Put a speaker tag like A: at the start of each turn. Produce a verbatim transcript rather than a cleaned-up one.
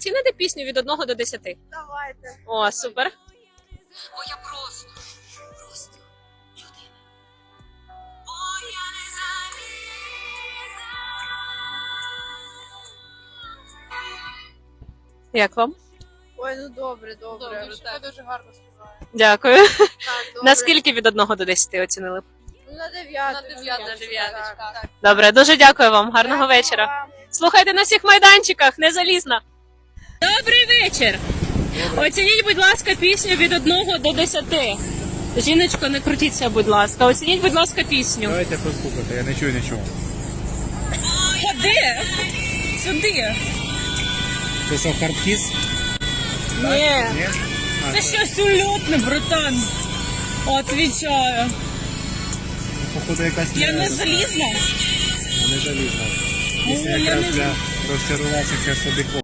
A: оціните пісню від одного до десяти?
B: Давайте.
A: О, супер.
C: Бо я просто, просто людина. Бо я не залізна.
A: Як вам?
B: Ой, ну добре, добре.
C: Добре,
B: дуже,
C: так.
B: дуже гарно співає.
A: Дякую.
B: Так, добре.
A: Наскільки від одного до десяти оцінили б?
B: Ну, на дев'яту.
C: На дев'яту,
B: Так,
C: дев'яточка.
B: так, так.
A: Добре, дуже дякую вам. Гарного
B: Дякую
A: вечора.
B: вам.
A: Слухайте на всіх майданчиках, не залізна. Добрий вечір. Оцініть, будь ласка, пісню від одного до десяти. Жіночко, не крутіться, будь ласка. Оцініть, будь ласка, пісню.
D: Давайте послухати, я не чую нічого.
A: Ходи. Сюди.
D: Це що, хардкіс?
A: Ні.
D: Ні? А,
A: Це щось ульотне, братан. Отвічаю.
D: походу якась
A: Я не залізна.
D: не залізна. Пісня
A: Ну, я
D: якраз
A: не-
D: для розчарувавшихся собі